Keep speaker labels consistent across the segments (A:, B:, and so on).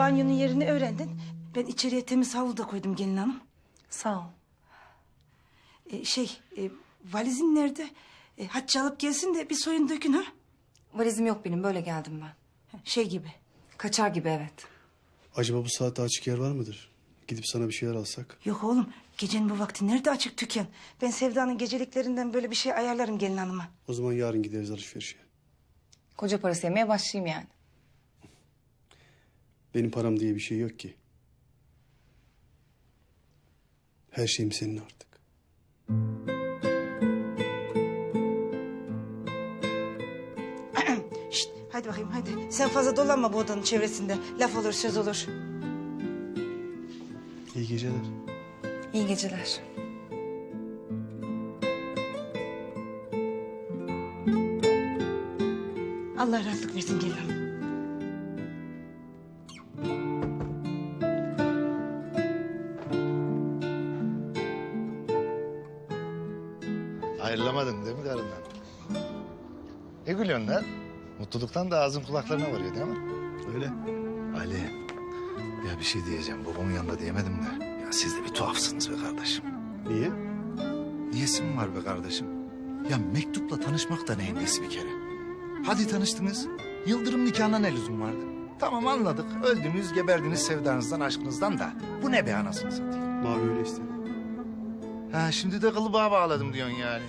A: banyonun yerini öğrendin. Ben içeriye temiz havlu da koydum gelin hanım.
B: Sağ ol.
A: Valizin nerede? Hatice alıp gelsin de bir soyun dökün ha.
B: Valizim yok benim, böyle geldim ben.
A: Şey gibi.
B: Kaçar gibi, evet.
C: Acaba bu saatte açık yer var mıdır? Gidip sana bir şeyler alsak.
A: Yok oğlum, gecenin bu vakti nerede açık dükkan? Ben Sevda'nın geceliklerinden böyle bir şey ayarlarım gelin hanıma.
C: O zaman yarın gideriz alışverişe.
B: Koca parası yemeye başlayayım yani.
C: Benim param diye bir şey yok ki. Her şeyim senin artık.
A: Şişt, hadi bakayım hadi. Sen fazla dolanma bu odanın çevresinde. Laf olur söz olur.
C: İyi geceler.
B: İyi geceler.
A: Allah rahatlık versin gelin hanım.
D: Ayrılamadın değil mi karından? Ne gülüyorsun lan? Mutluluktan da ağzın kulaklarına varıyor değil mi?
C: Öyle.
D: Ali, ya bir şey diyeceğim. Babamın yanında diyemedim de. Ya siz de bir tuhafsınız be kardeşim.
C: Niye?
D: Niyesi mi var be kardeşim? Ya mektupla tanışmak da neyin nesi bir kere? Hadi tanıştınız. Yıldırım nikahına ne lüzum vardı? Tamam anladık. Öldünüz, geberdiniz sevdanızdan, aşkınızdan da. Bu ne be anasını satayım?
C: Mavi öyle istedi.
D: Ha şimdi de kılıbağa bağladım diyorsun yani.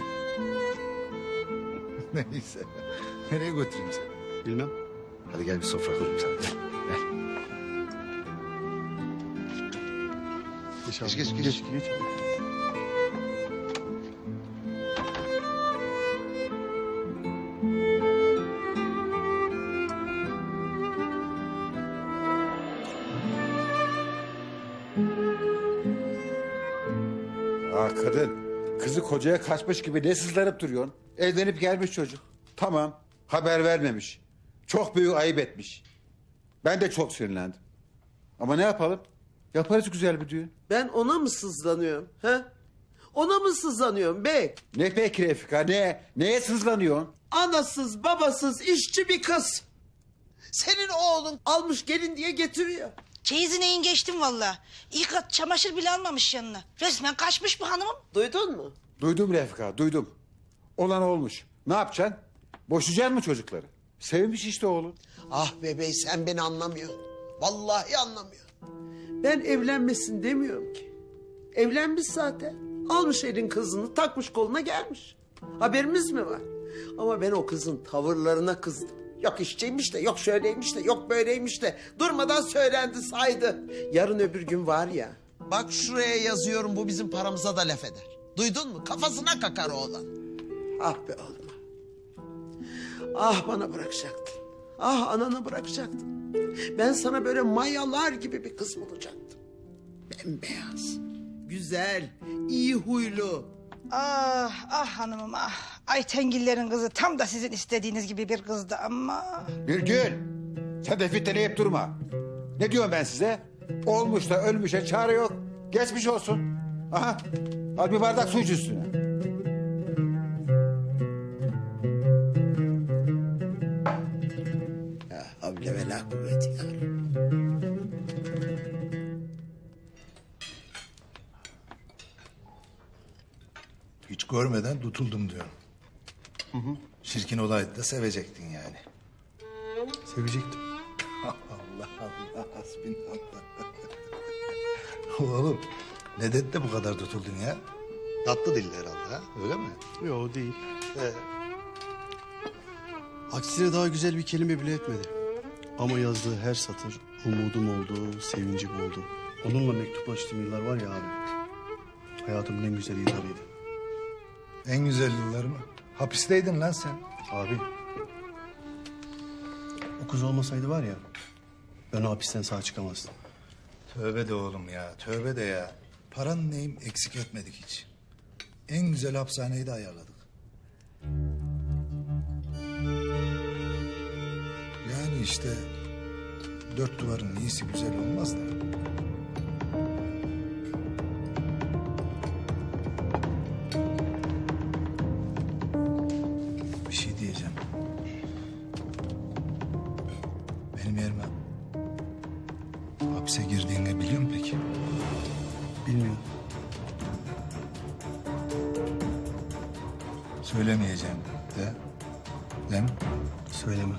D: Neyse. Nereye götüreyim seni?
C: Bilmem.
D: Hadi gel bir sofra kurayım sana. Gel.
C: Geç,
D: Geç.
C: Geç.
E: Kadın, kızı kocaya kaçmış gibi ne sızlanıp duruyorsun? Evlenip gelmiş çocuk. Tamam, haber vermemiş. Çok büyük ayıp etmiş. Ben de çok sinirlendim. Ama ne yapalım? Yaparız güzel bir düğün.
F: Ben ona mı sızlanıyorum? He? Ona mı sızlanıyorum bey?
E: Ne peki Refika, ne? Neye sızlanıyorsun?
F: Anasız babasız işçi bir kız. Senin oğlun almış gelin diye getiriyor.
A: Çeyizine in geçtim vallahi. İlk kat çamaşır bile almamış yanına. Resmen kaçmış bu hanımım.
F: Duydun mu?
E: Duydum Refika, duydum. Olan olmuş. Ne yapacaksın? Boşayacaksın mı çocukları? Sevmiş işte oğlun.
F: Ah bebey sen beni anlamıyorsun. Vallahi anlamıyorsun. Ben evlenmesin demiyorum ki. Evlenmiş zaten. Almış elin kızını takmış koluna gelmiş. Haberimiz mi var? Ama ben o kızın tavırlarına kızdım. Yok işçiymiş de, yok şöyleymiş de, yok böyleymiş de. Durmadan söylendi saydı. Yarın öbür gün var ya. Bak şuraya yazıyorum bu bizim paramıza da laf eder. Duydun mu? Kafasına kakar oğlan. Ah be oğlum. Ah bana bırakacaktın. Ah ananı bırakacaktın. Ben sana böyle mayalar gibi bir kız bulacaktım. Bembeyaz, güzel, iyi huylu.
A: Ah hanımım ah. Aytengillerin kızı tam da sizin istediğiniz gibi bir kızdı ama.
E: Birgül, sen de fitneleyip durma. Ne diyorum ben size? Olmuş da ölmüşe çare yok. Geçmiş olsun. Aha, al bir bardak su iç üstüne.
F: Ya havle ve la kuvveti ya.
D: Hiç görmeden tutuldum diyorum. Şirkin olaydı da sevecektin yani.
C: Sevecektim.
D: Allah Allah hasbinallah. Oğlum ne dedi de bu kadar tutuldun ya? Tatlı dilli herhalde ha öyle mi?
C: Yok değil. Aksine daha güzel bir kelime bile etmedi. Ama yazdığı her satır umudum oldu, sevincim oldu. Onunla mektuplaştığım yıllar var ya abi. Hayatımın en güzel yıllarıydı.
D: En güzel yıllar mı? Hapisteydin lan sen.
C: Abi. O kız olmasaydı var ya, ben o hapisten sağ çıkamazdım.
D: Tövbe de oğlum ya tövbe de ya. Paran neyim eksik etmedik hiç. En güzel hapishaneyi de ayarladık. Yani işte dört duvarın iyisi güzel olmaz da. Bir şey diyeceğim. Benim yerime
C: Bilmiyorum.
D: Söylemeyeceğim de. Değil mi?
C: Söyleme.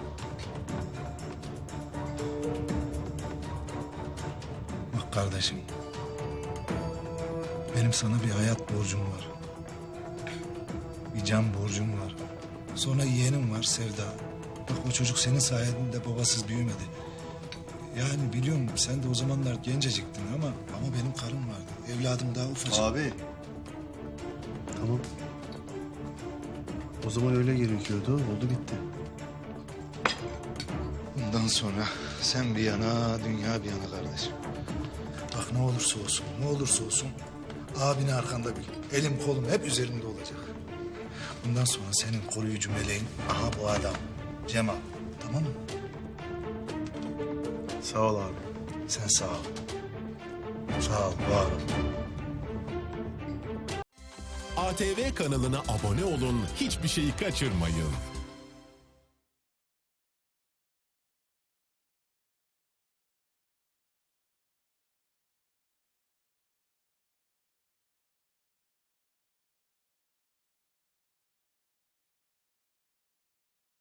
D: Bak kardeşim. Benim sana bir hayat borcum var. Bir can borcum var. Sonra yeğenim var Sevda. Bak o çocuk senin sayende babasız büyümedi. Yani biliyorum sen de o zamanlar genceciktin ama benim karım vardı. Evladım daha ufacık.
C: Abi. Tamam. O zaman öyle gerekiyordu. Oldu bitti.
D: Bundan sonra sen bir yana, dünya bir yana kardeşim. Bak ne olursa olsun, ne olursa olsun abini arkanda bil. Elim kolum hep üzerinde olacak. Bundan sonra senin koruyucu meleğin aha bu adam. Cemal. Tamam mı?
C: Sağ ol abi.
D: Sen sağ ol. Sağ ol, var ol.
G: ATV kanalına abone olun, hiçbir şeyi kaçırmayın.